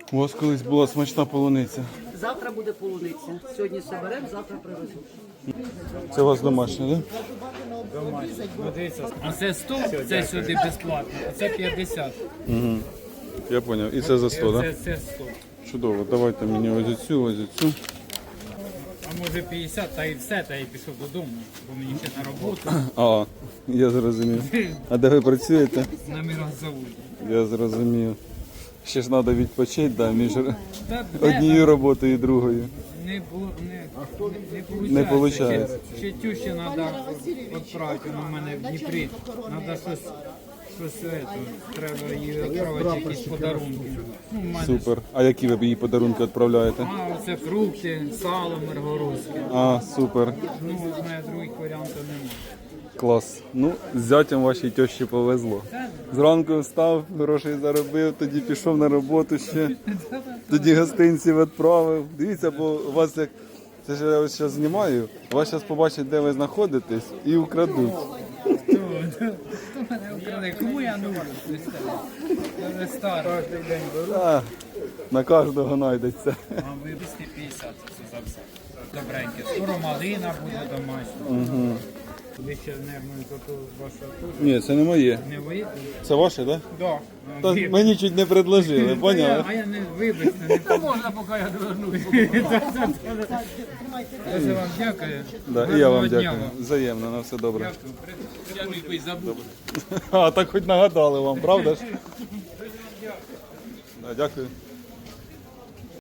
У вас колись була смачна полуниця. Завтра буде полуниця. Сьогодні соберемо, завтра привезуть. Це у вас домашня, так? Ну, дивіться, а це 100, це сюди безплатно, а це 50. Угу. Я зрозумів. І це за 100, так? Це 100. Чудово. Давайте мені ось цю, ось цю. А може 50, та і все, та і пішов додому, бо мені ще на роботу. А, я зрозумів. А де ви працюєте? На мірозаводі. Я зрозумів. Ще ж треба відпочити, да, між Та однією роботою і другою. Не Не виходить. Ще тющі треба відправити, вона в мене в Дніпрі. Треба щось треба їй відправити, якісь подарунки. Ну, в мене Супер. А які ви їй подарунки відправляєте? оце фрукти, сало миргородське. А, супер. Ну, в мене других варіантів немає. Клас. Ну, з зятям вашій тещі повезло. Зранку встав, грошей заробив, тоді пішов на роботу ще, тоді гостинці відправив. Дивіться, бо у вас як, це ж я ось зараз знімаю, вас зараз побачать, де ви знаходитесь, і украдуть. Хто мене украде? Кому я нужен? Я вже старий. А, на кожного знайдеться. А вивезти 50 це за все. Добреньке. Скоро малина буде домашня. Угу. Ви ще, мабуть, то ваша тут. Ні, це не моє. Не виїдете? Це ваше, так? Да. Та мені чуть не предложили, поняли? А я не вибачте, не можна, поки я довернусь. Дуже вам дякую. Да, і я Гарного вам дня дякую. Взаємно, на все добре. Дякую. Я не забув. А, так хоч нагадали вам, правда ж? Да, дякую.